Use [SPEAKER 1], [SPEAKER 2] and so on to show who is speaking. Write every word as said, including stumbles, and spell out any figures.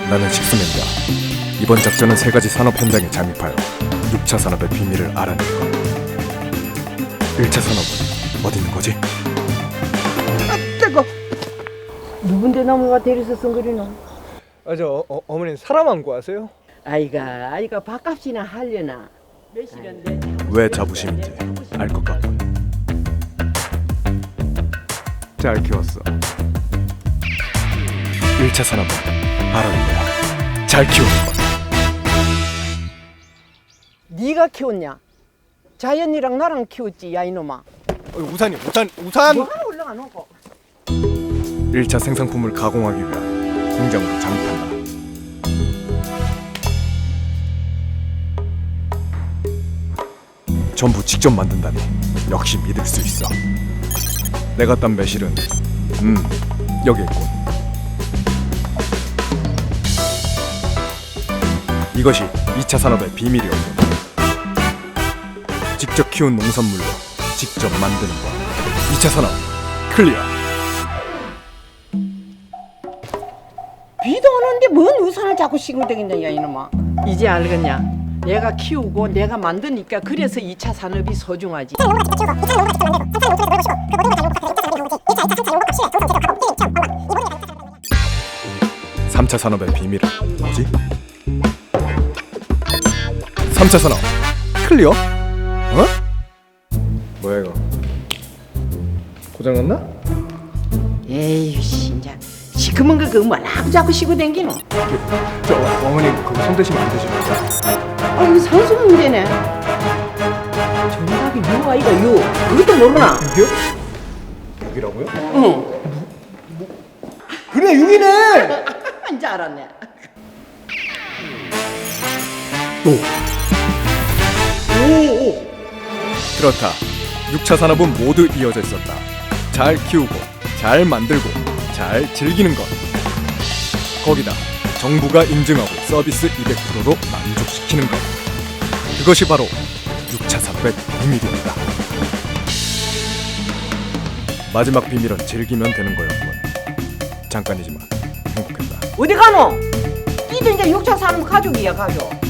[SPEAKER 1] 나는 식수맨이다. 이번 작전은 세 가지 산업 현장에 잠입하여 육 차 산업의 비밀을 알아낼 것. 일 차 산업은 어디 있는 거지?
[SPEAKER 2] 아, 뜨거. 누군데 나무가 데려서 쓴거리노?
[SPEAKER 3] 아, 저 어, 어머니 사람 안 구하세요?
[SPEAKER 2] 아이가 아이가 밥값이나 하려나. 몇 시간데?
[SPEAKER 1] 왜 자부심인지 알 것 같군. 잘 키웠어. 일 차 산업은 바로 이거야. 잘 키우는 것.
[SPEAKER 2] 네가 키웠냐? 자연이랑 나랑 키웠지, 야 이놈아.
[SPEAKER 3] 어, 우산이 우산 우산.
[SPEAKER 2] 뭐하러 올라가 놓고?
[SPEAKER 1] 일 차 생산품을 가공하기 위한 공장으로 잠입한다. 전부 직접 만든다니 역시 믿을 수 있어. 내가 딴 매실은 음 여기 있군. 이것이 이 차 산업의 비밀이었군. 직접 키운 농산물로 직접 만드는 것. 이 차 산업 클리어.
[SPEAKER 2] 비도 오는데 뭔 우산을 자꾸 싱글대긴다, 야 이놈아. 이제 알겠냐? 내가 키우고 내가 만드니까 그래서 이 차 산업이 소중하지.
[SPEAKER 1] 삼 차 산업의 비밀은 뭐지? 삼 차 산업 클리어? 어? 뭐야 이거? 고장났나?
[SPEAKER 2] 에이 진짜 시커먼 거 그거 뭐라고 자꾸 씌고 댕기노?
[SPEAKER 1] 저 어머니 그거 손 대시면 안 되십니까?
[SPEAKER 2] 아 이거 산수 문제네. 정답이 요 아이가 요. 그것도 모르나?
[SPEAKER 1] 여기요? 여기라고요?
[SPEAKER 2] 응.
[SPEAKER 3] 그래 육이네.
[SPEAKER 2] 이제 알았네.
[SPEAKER 1] 그렇다. 육 차 산업은 모두 이어져 있었다. 잘 키우고 잘 만들고 잘 즐기는 것. 거기다 정부가 인증하고 서비스 이백 퍼센트로 만족시키는 것. 그것이 바로 육 차 산업의 비밀이었다. 마지막 비밀은 즐기면 되는 거였군. 잠깐이지만 행복했다.
[SPEAKER 2] 어디 가노? 니도 이제 육 차 산업 가족이야 가족.